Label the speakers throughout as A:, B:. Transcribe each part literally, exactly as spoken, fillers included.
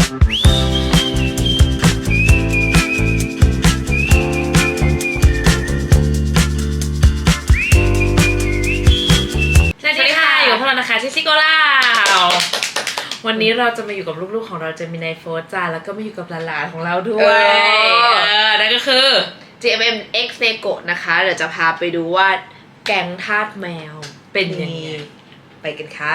A: ซิโกล่าวันนี้เราจะมาอยู่กับลูกๆของเราจะมีนายโฟร์จ้าแล้วก็มาอยู่กับหลานๆของเราด้วยเออนั่นก็คือ
B: จี เอ็ม เอ็ม X Nego นะคะเดี๋ยวจะพาไปดูว่าแก๊งทาสแมวเป็นยังไงไปกันค่ะ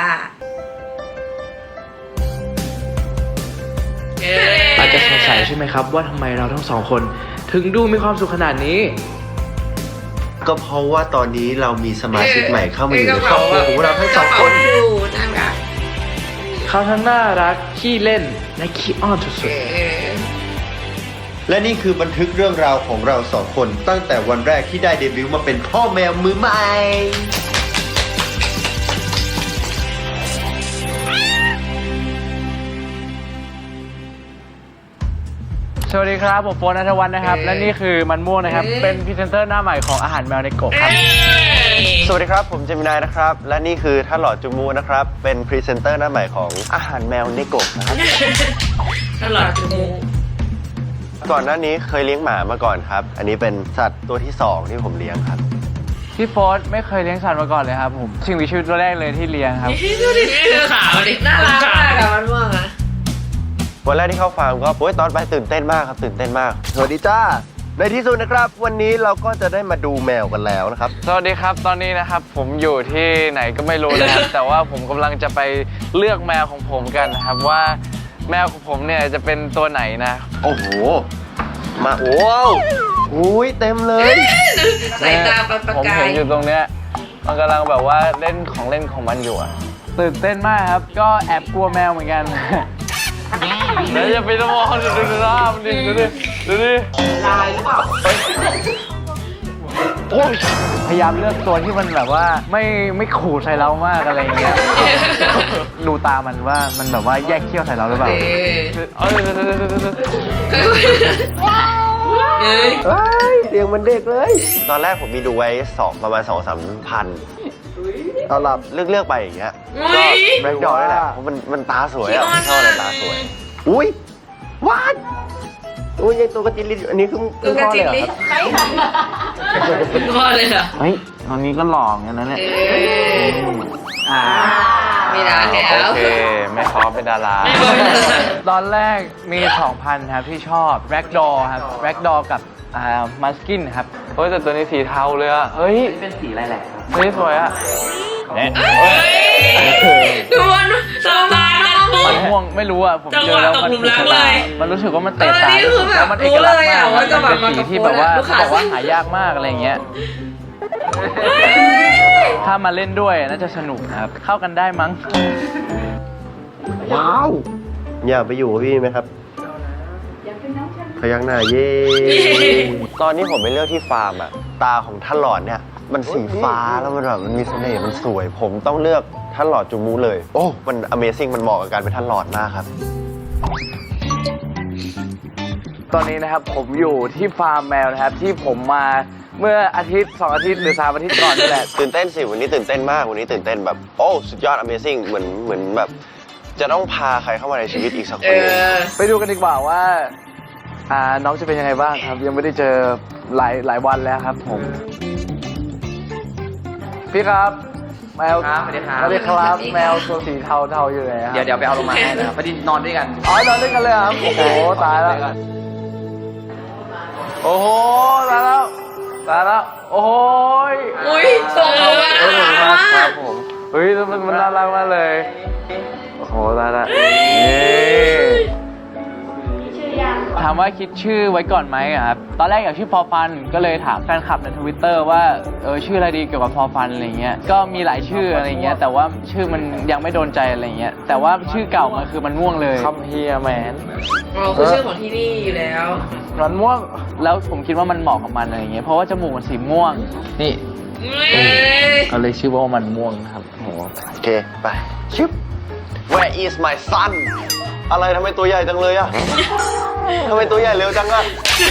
C: อาจจะสงสัยใช่ไหมครับว่าทำไมเราทั้งสองคนถึงดูมีความสุขขนาดนี้
D: ก็เพราะว่าตอนนี้เรามีสมาชิกใหม่เข้ามาอยู่ในครอบครัวของเราทั้งสองคน
C: เขาทั้งน่ารักขี้เล่นและขี้อ้อนสุดๆ
D: และนี่คือบันทึกเรื่องราวของเราสองคนตั้งแต่วันแรกที่ได้เดบิวต์มาเป็นพ่อแมวมือใหม่
C: สวัสดีครับผมโฟนณัฐวัฒน์นะครับและนี่คือมันม่วงนะครับเป็นพรีเซนเตอร์หน้าใหม่ของอาหารแมวในกบครับ
D: สวัสดีครับผมเจมินายนะครับและนี่คือท่านหลอดจูมูนะครับเป็นพรีเซนเตอร์หน้าใหม่ของอาหารแมวในกบนะครับ
A: ท่านหลอดจูมู
D: ก่อนหน้านี้เคยเลี้ยงหมามาก่อนครับอันนี้เป็นสัตว์ตัวที่สองที่ผมเลี้ยงครับ
C: พี่โฟนไม่เคยเลี้ยงสัตว์มาก่อนเลยครับผมสิ่งมีชีวิตตัวแรกเลยที่เลี้ยงครับ
A: ดูดิขาวดิน่ารักมากอะมันม่วงอะ
D: วันแรกที่เข้าฟาร์มก็โอ้ยตอนไปตื่นเต้นมากครับตื่นเต้นมากสวัสดีจ้าในที่สุดนะครับวันนี้เราก็จะได้มาดูแมวกันแล้วนะครับ
C: สวัสดีครับตอนนี้นะครับผมอยู่ที่ไหนก็ไม่รู้นะครับ แต่ว่าผมกำลังจะไปเลือกแมวของผมกันนะครับว่าแมวของผมเนี่ยจะเป็นตัวไหนนะ
D: โอ้โหมาโอ้วอุ้ยเต็มเลย
A: สายตาประกาย
C: ผมเห็นอยู่ตรงเนี้ยมันกำลังแบบว่าเล่นของเล่นของมันอยู่อะตื่นเต้นมากครับก็แอบกลัวแมวเหมือนกันแล้วอย่าไปมองดูดูหน้ามันดิดูดิดูดิ
A: ลายหรือเปล่า
C: พยายามเลือกตัวที่มันแบบว่าไม่ไม่ขู่ใส่เรามากอะไรอย่างเงี้ยดูตามันว่ามันแบบว่าแยกเขี้ยวใส่เราหรือเปล่าเอ้
D: ยเสียงมันเด็กเลยตอนแรกผมมีดูไว้สองประมาณสองสามพันเอาหลับเลือกเลือกไปอย่างเงี้ยก็แบล็คดอร์นี่แหละเพราะมันมันตาสวยอ่ะชอบอะไรตาสวยอุ้ยว้าวอุ้ยยังตัวกระจิลิอันนี้คือ
A: ตัวกระจิลิใครทำพ่อเลยเหรอ
C: เฮ้ยตอนนี้ก็หล่ออย่างนั้นแหละ
A: อ่ามีดาแล้ว
C: โอเคไม่ขอเป็นดาราตอนแรกมี สองพัน ครับที่ชอบแบล็คดอร์ครับแบล็คดอร์กับอ่ามัสกินครับเฮ้ยแต่ตัวนี้สีเทาเลยอะเฮ้ยเป็นสีอะไรแหละเฮ้ยสวยอะ
A: ดูมันสบายมัน
C: มันม่วงไม่รู้อ่ะผมเจอแล้วมันมันรู้สึกว่ามันเตะตาแล้วมันเอกลักษณ์มากมันเป็นสีที่แบบว่าบอกว่าหายากมากอะไรเงี้ยถ้ามาเล่นด้วยน่าจะสนุกครับเข้ากันได้มั้ง
D: ว้าวอยากไปอยู่กับพี่ไหมครับพยักหน้าเย่ตอนนี้ผมไปเลือกที่ฟาร์มอะตาของท่านหลอดเนี่ยมันสีฟ้าแล้วมันแบบมันมีเสน่ห์มันสวยผมต้องเลือกท่านหลอดจูมูเลยโอ้มัน Amazing มันเหมาะกับการเป็นท่านหลอดมากครับ
C: ตอนนี้นะครับผมอยู่ที่ฟาร์มแมวนะครับที่ผมมาเมื่ออาทิตย์สองอาทิตย์หรือสามอาทิตย์ก่อนนี่แหละ
D: ตื่นเต้นสิวันนี้ตื่นเต้นมากวันนี้ตื่นเต้นแบบโอ้สุดยอด Amazing เหมือนเหมือนแบบจะต้องพาใครเข้ามาในชีวิตอีกสักคนนึง
C: ไปดูกันดีกว่าว่าอ่าน้องจะเป็นยังไงบ้างครับยังไม่ได้เจอหลายหลายวันแล้วครับผมพี่ครับแมว
E: ครับสวัสดีครับ
C: สวัสดีครับแมวตัวสีเทาเทาอยู่ไหนครับ
E: เดี๋ยวเดี๋ยวไปเอาลงมาให้นะครับพอดีนอนด้วยกัน
C: อ๋อนอนด้วยกันเลยครับโอ้โหตายแล้วโอ้โหตายแล้วตายแล้วโอ้ย
A: อุ้ยสวยมาก
C: ครับผมเฮ้ยมันมันน่ารักมากเลยโอ้โหตายแล้วถามว่าคิดชื่อไว้ก่อนไหมครับตอนแรกอยากชื่อพอฟันก็เลยถามแฟนคลับในทวิตเตอร์ว่าเออชื่ออะไรดีเกี่ยวกับพอฟันอะไรเงี้ยก็มีหลายชื่ออะไรเงี้ยแต่ว่าชื่อมันยังไม่โดนใจอะไรเงี้ยแต่ว่าชื่อเก่ามันคือมันม่วงเลยคัมเฮียแมน
A: อ๋อคือชื่อของที่นี่อยู่แล้ว
C: มันม่วงแล้วผมคิดว่ามันเหมาะกับมันอะไรเงี้ยเพราะว่าจมูกมันสีม่วงนี่เขาเลยชื่อว่ามันม่วงครับโ
D: อเคไปชิป Where is my son อะไรทำไมตัวใหญ่จังเลยอะทำไมตัวใหญ่เร็วจังอะ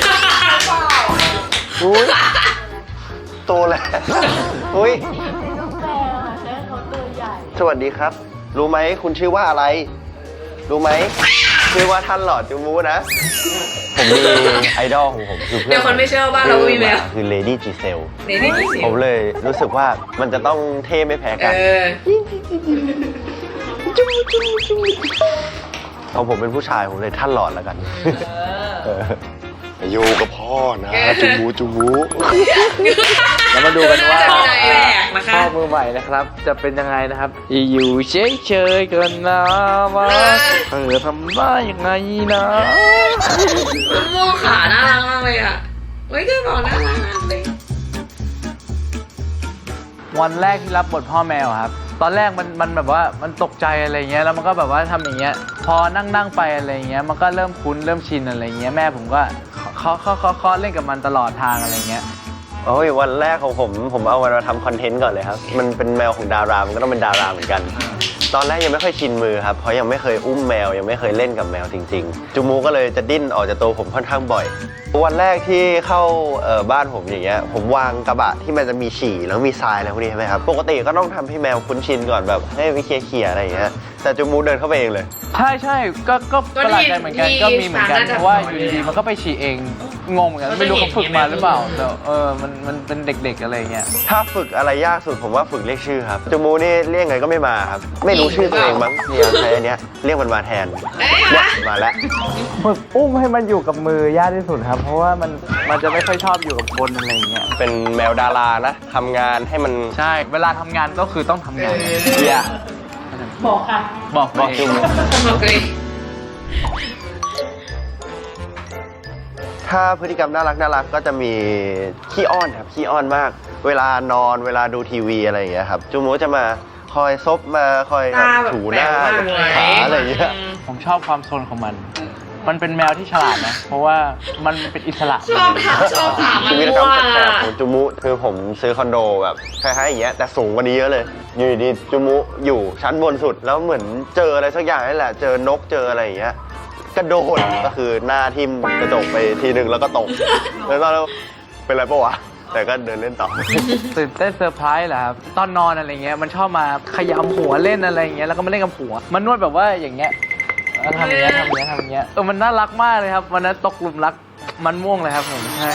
D: อุ้ยโตแล้วอุ้ยสวัสดีครับรู้ไหมคุณชื่อว่าอะไรรู้ไหมชื่อว่าท่านหลอดจูมูนะ ผมมีไอดอลของผมคือเพื่อน
A: เดี๋ยวคนไม่เชื่อว่าเราก็มีแมว
D: คือเลดี้จีเซล
A: ในนี่มีเสีย
D: ผ
A: ง
D: มเลยรู้สึกว่ามันจะต้องเท่ไม่แพ้
A: เอ
D: กัน
A: อ
D: เอาผมเป็นผู้ชายผมเลยท่านหลอดแล้วกันเอออยู่กับพ่อนะจูมูจูมู
C: แล้วมาดูกันว่า
A: จะมีอะไรแปลกนะคะ
C: พ่อมือใหม่นะครับ จะเป็นยังไงนะครับ อยู่เฉยๆกันนะว่าเธอทำได้ยังไงนะ
A: มะม่วงขาน่ารักมากเลยอ่ะเฮ้ยก็บอกน่ารักมากเลย
C: วันแรกที่รับบทพ่อแมวครับ ตอนแรกมันมันแบบว่ามันตกใจอะไรเงี้ยแล้วมันก็แบบว่าทำอย่างเงี้ยพอนั่งนั่งไปอะไรเงี้ยมันก็เริ่มคุ้นเริ่มชินอะไรเงี้ยแม่ผมก็เคาะเคาะเคาะเคาะเล่นกับมันตลอดทางอะไรเงี้ย
D: โอ้ยวันแรกของผมผมเอามันมาทำคอนเทนต์ก่อนเลยครับ มันเป็นแมวของดารา มันก็ต้องเป็นดาราเหมือนกัน ตอนแรกยังไม่ค่อยชินมือครับ เพราะยังไม่เคยอุ้มแมวยังไม่เคยเล่นกับแมวจริงๆ จูมูก็เลยจะดิ้นออกจากตัวผมค่อนข้างบ่อย วันแรกที่เข้าเอ่อบ้านผมอย่างเงี้ยผมวางกระบะที่มันจะมีฉี่แล้วมีทรายอะไรพวกนี้ใช่ไหมครับปกติก็ต้องทำให้แมวคุ้นชินก่อนแบบให้ไปเคลียร์ๆอะไรอย่างเงี้ยแต่จูมูเดินเข้าไปเองเลย
C: ใช่ใช่ก็ก็
A: ก็
C: ประหลาด
A: ที่
C: ใจเหมือนกัน
A: ที่
C: ก็มีเหมือนกัน
A: สารน่าจะ
C: เพราะว่า
A: ปล่
C: อ
A: อย
C: ยู่ดีๆมันก็ไปฉี่เองงงเหมือนกัน
A: มัน
C: ไม่รู้
A: ไม่
C: เขาฝึก
A: เห็น
C: มาหรือเปล่า
A: ไม่รู้
C: แต่เออมันมันเป็นเด็กๆอะไรเงี้ย
D: ถ้าฝึกอะไรยากสุดผมว่าฝึกเรียกชื่อครับจูมูนี่เรียกไงก็ไม่มาครับไม่รู้ชื่อตัวเองมั้งเนี่ยใช้อันเนี้ยเรียกมันมาแทน
A: เอ้ย
D: เนี่ย
A: มา
D: มาแล้ว
C: ฝึกอุ้มให้มันอยู่กับมือยากที่สุดครับ เพราะว่ามันมันจะไม่ค่อยชอบอยู่กับคนอะไรเงี้ย
D: เป็นแมวดารานะทำงานให้มัน
C: ใช่เวลาทำงานก็คือต้องทำงาน
D: อย่า
C: บอกค่ะบอก
D: บอกจูมู
A: บอกเลย
D: ถ้าพฤติกรรมน่ารักน่ารักก็จะมีขี้อ้อนครับขี้อ้อนมาก เวลานอนเวลาดูทีวีอะไรอย่างเงี้ยครับจูมูจะมาคอยซบมาคอย
A: ตาแบบ
D: ถูหน้า
A: แปลกมากเลย
D: ขาอะไรอย่างเงี้ย
C: ผมชอบความโซนของมัน มันเป็นแมวที่ฉลาดนะ เพราะว่ามันเป็นอิสระ
A: ชอบถามชอบถามมัน
D: ชีวิตกรรม
A: ว่า
D: แปลกๆของจูมุคือผมซื้อคอนโดแบบคล้ายๆอย่างเงี้ยแต่สูงกว่านี้เยอะเลย อยู่ดีๆจูมุอยู่ชั้นบนสุดแล้วเหมือนเจออะไรสักอย่างนี่แหละ เจอนกเจออะไรอย่างเงี้ยกระโดดก็คือหน้าทิ่มกระจกไปทีนึงแล้วก็ตกแล้วตอนนั้นเป็นไรปะวะแต่ก็เดินเล่นต่อ
C: ตื่นเต้นเซอร์ไพรส์แหละครับตอนนอนอะไรเงี้ยมันชอบมาขยำหัวเล่นอะไรเงี้ยแล้วก็มาเล่นกับหัว มันนวดแบบว่าอย่างเงี้ยแล้วทำอย่างเงี้ยทำอย่างเงี้ยทำอย่างเงี้ยเออมันน่ารักมากเลยครับวันนั้นตกหลุมรักมันม่วงเลยครับผมใช่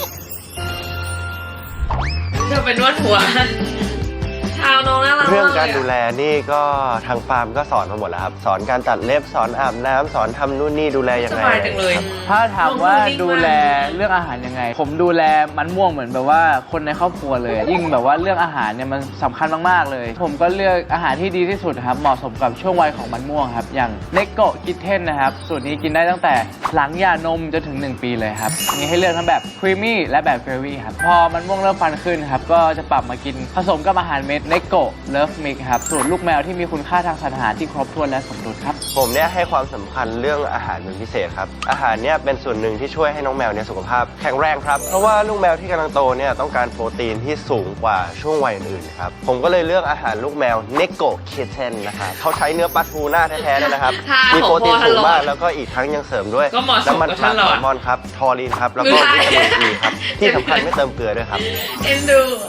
A: เธอเป็นนวดหัวชาวน้องน่ารักมาก
D: เรื่องการ
A: ลยะ
D: ดูแลนี่ก็ทางฟาร์มก็สอนมาหมดแล้วครับ สอนการตัดเล็บสอนอาบน้ำสอนทำนู่นนี่ดูแลยัง
A: ส
D: ไง
A: บายจังเลย
D: ครับ
C: ถ้าถามว่า
A: น้อง
C: ดูแลเรื่องอาหารยังไง ผมดูแลมันม่วงเหมือนแบบว่าคนในครอบครัวเลย ยิ่งแบบว่าเรื่องอาหารเนี่ยมันสำคัญมากๆเลย ผมก็เลือกอาหารที่ดีที่สุดครับเหมาะสมกับช่วงวัยของมันม่วงครับอย่างเนโกะคิทเทนนะครับสูตรนี้กินได้ตั้งแต่หลังหย่านมจนถึงหนึ่งปีเลยครับมีให้เลือกทั้งแบบครีมมี่และแบบเฟรวี่ครับพอมันม่วงเริ่มฟันขึ้นครับก็จะปรับมากินผสมกับอาหารเม็ดเนโกะเลิฟมิกครับสูตรลูกแมวที่มีคุณค่าทางสารอาหารที่ครบถ้วนและสมดุลครับ
D: ผมเนี่ยให้ความสำคัญเรื่องอาหารเป็นพิเศษครับ อาหารเนี่ยเป็นส่วนหนึ่งที่ช่วยให้น้องแมวเนี่ยสุขภาพแข็งแรงครับ เพราะว่าลูกแมวที่กำลังโตเนี่ยต้องการโปรตีนที่สูงกว่าช่วงวัยอื่นๆครับ ผมก็เลยเลือกอาหารลูกแมวเนโกะคิทเทนนะครับเขาใช้เนื้อปลาทูน่าแท้ๆเลยนะครับ
A: ค่ะ
D: มีโปรตีนสูงมาก
A: ของพ่อท่านหลอด
D: แล้วก็อีกทั้งยังเสริมด้วย
A: ก็เหมาะสม
D: น้ำมัน
A: กับ
D: ป
A: ท่า
D: ลาน
A: หลอด
D: แซลมอนครับทอรีนครับแล้วก็วิตามินอีครับที่สำคัญไม่เติมเกลือด้วยครับ
A: เอ็นดู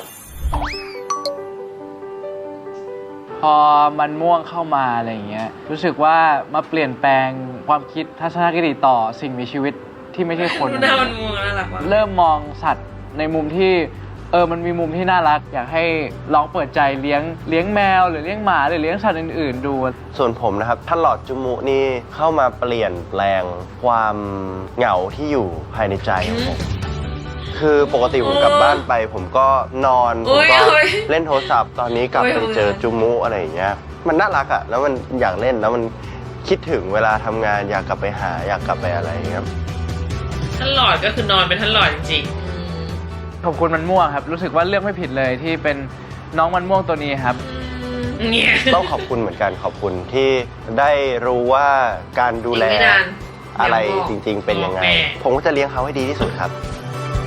C: พอมันม่วงเข้ามาอะไรอย่างเงี้ยรู้สึกว่ามาเปลี่ยนแปลงความคิดทัศนคติต่อสิ่งมีชีวิตที่ไม่ใช่คน
A: ดูหน้ามันม่วงน่ารักมาก
C: เริ่มมองสัตว์ในมุมที่เออมันมีมุมที่น่ารัก อยากให้ลองเปิดใจเลี้ยงเลี้ยงแมวหรือเลี้ยงหมาหรือเลี้ยงสัตว์อื่นๆดู
D: ส่วนผมนะครับท่านหลอดจูมุนี่เข้ามาเปลี่ยนแปลงความเหงาที่อยู่ภายในใจของผม คือปกติผมกลับบ้านไป ผมก็นอน
A: โอ้
D: ผม
A: ย
D: ก็
A: โอ้ย
D: เล่นโทรศัพท์ตอนนี้กลับ
A: โอ้ย
D: ไปเจอจูมุอะไรอย่างเงี้ยมันน่ารักอะแล้วมันอยากเล่นแล้วมันคิดถึงเวลาทำงานอยากกลับไปหาอยากกลับไปอะไรอย่างเงี้ย
A: ท่านหลอดก็คือนอนเป็นท่านหลอดจริง
C: ขอบคุณมันม่วงครับ รู้สึกว่าเลือกไม่ผิดเลยที่เป็นน้องมันม่วงตัวนี้ครับ
A: ๆเนี่ย
D: ต้องขอบคุณเหมือนกันขอบคุณที่ได้รู้ว่าการดูแล
A: อีกไม่นาน
D: อะไร
A: เดี๋ยว
D: จริง ๆ เป็นยังไง
A: แม่
D: ผมก็จะเลี้ยงเขาให้ดีที่สุดครับ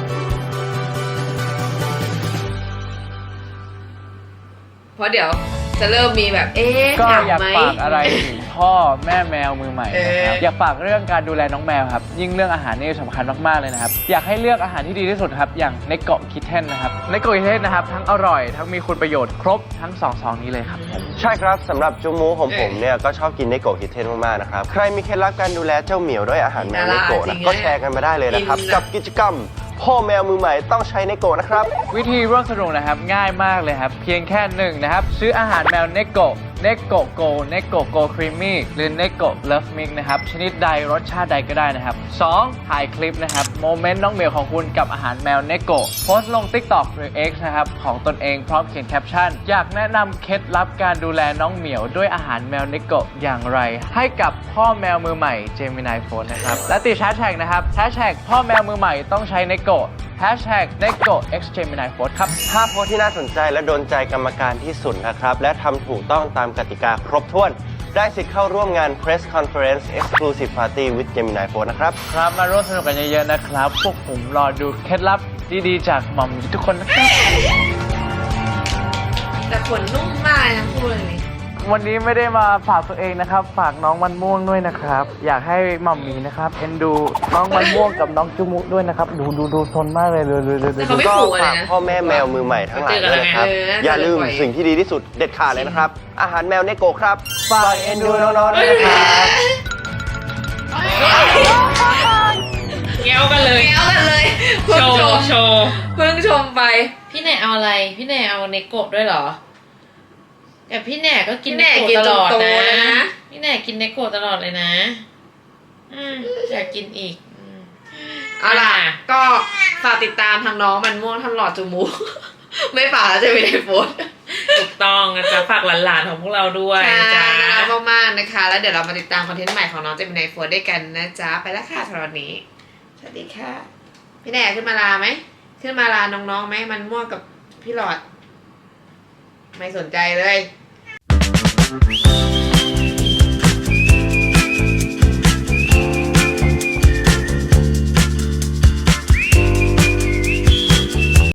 A: เพราะเดี๋ยว
B: จะเริ่มมีแบบเอ๊ะ
C: ก็
B: เหงา
C: อยาก
B: ไหม
C: ฝากอะไรถึงพ่อแม่แมวมือใหม่นะครับ
B: เออ
C: อยากฝากเรื่องการดูแลน้องแมวครับยิ่งเรื่องอาหารนี่สำคัญมากๆเลยนะครับอยากให้เลือกอาหารที่ดีที่สุดครับอย่างเนโกะคิทเทนนะครับเนโกะคิทเทนนะครับทั้งอร่อยทั้งมีคุณประโยชน์ครบทั้งสองซองนี้เลยครับผม
D: ใช่ครับสำหรับจูมูของผมเนี่ยก็ชอบกินเนโกะฮิตเทนมากๆนะครับใครมีเคล็ดลับการดูแลเจ้าเหมียวด้วยอาหารแมวเนโกะนะก็แชร์กันมาได้เลยนะครับ กับกิจกรรมพ่อแมวมือใหม่ต้องใช้เนโกะนะครับ
C: วิธีร่วมสนุกนะครับง่ายมากเลยครับเพียงแค่หนึ่งนะครับซื้ออาหารแมวเนโกะเนโกะโกเนโกะโกครีมมี่หรือเนโกะเลิฟมิกนะครับชนิดใดรสชาติใดก็ได้นะครับสองถ่ายคลิปนะครับโมเมนต์น้องเหมียวของคุณกับอาหารแมวเนโกะโพสต์ลง TikTok หรือ X นะครับของตนเองพร้อมเขียนแคปชั่นอยากแนะนำเคล็ดลับการดูแลน้องเหมียวด้วยอาหารแมวเนโกะอย่างไรให้กับพ่อแมวมือใหม่เจมินายโฟนนะครับและติดแฮชแท็กนะครับแฮชแท็กพ่อแมวมือใหม่ต้องใช้เนโกะแฮชแท็กเนโกะ x gemini food ครับ
D: ถ้าโพสต์ที่น่าสนใจและโดนใจกรรมการที่สุดนะครับ และทำถูกต้องตามกติกาครบถ้วน ได้สิทธิ์เข้าร่วมงาน Press Conference Exclusive Party with Gemini Phone นะครับ
C: ครับมาร่วมสนุกกันเยอะๆนะครับ พวกผมรอดูเคล็ดลับดีๆจากหม่อมทุกคนนะครับ
B: แต่ขนนุ่มมากทั้งคู่เลยนี่
C: วันนี้ไม่ได้มาฝากตัวเองนะครับ ฝากน้องมันม่วงด้วยนะครับ อยากให้หม่อมหมีนะครับเอ็นดูน้องมันม่วงกับน้องจุมุด้วยนะครับ ดูดูดูซนมากเลยดูดูดูดู
B: แต่เขาไม่
D: ก็
B: ขู่อะไร
D: ฝาก
B: นะ
D: พ่อแม่แมวมือใหม่ทั้งหลายด้วยนะครับ
B: เจอกันนะ
D: อย่าลืม
B: เจอกันบ่อย
D: สิ่งที่ดีที่สุดเด็ดขาดเลยนะครับ อาหารแมวเนโกะครับ ฝากเอ็นดูน้องๆด้วยนะครับ
A: เงี้ยวกันเลย
B: แก้วกันเลยเพิ่
A: โช
B: งชม
A: ว์โชว์
B: เพิ่งชมไป
A: พี่แหน่เอาอะไร พี่แหน่เอาเนโกะด้วยเหรอ แต่พี่แหน่ก็กิน
B: พี่
A: เน
B: แหน่
A: โกะ
B: กิน
A: ต
B: จ
A: ล
B: น
A: อด
B: โต
A: นะ
B: เลยนะ
A: พี่แหน่กินเนโกะตลอดเลยนะ อืมอยากกินอีกอืม
B: เอาล่ะ ก็ฝากติดตามทางน้องมันม่วงท่านหลอดจูมู ไม่ฝากแล้วจะไม่ได้โพสต์
A: ถูกต้องนะจ๊ะฝากหลานๆของพวกเราด้วย
B: ใช่
A: จ้า
B: น่ารักมากๆนะคะ แล้วเดี๋ยวเรามาติดตามคอนเทนต์ใหม่ของน้องเจมินายโฟร์ด้วยกันนะจ๊ะ ไปแล้วค่ะสำหรับวันนี้ สวัสดีค่ะ พี่แหน่ขึ้นมาลาไหม ขึ้นมาลาน้องๆไหมมันม่วงกับพี่หลอด ไม่สนใจเลย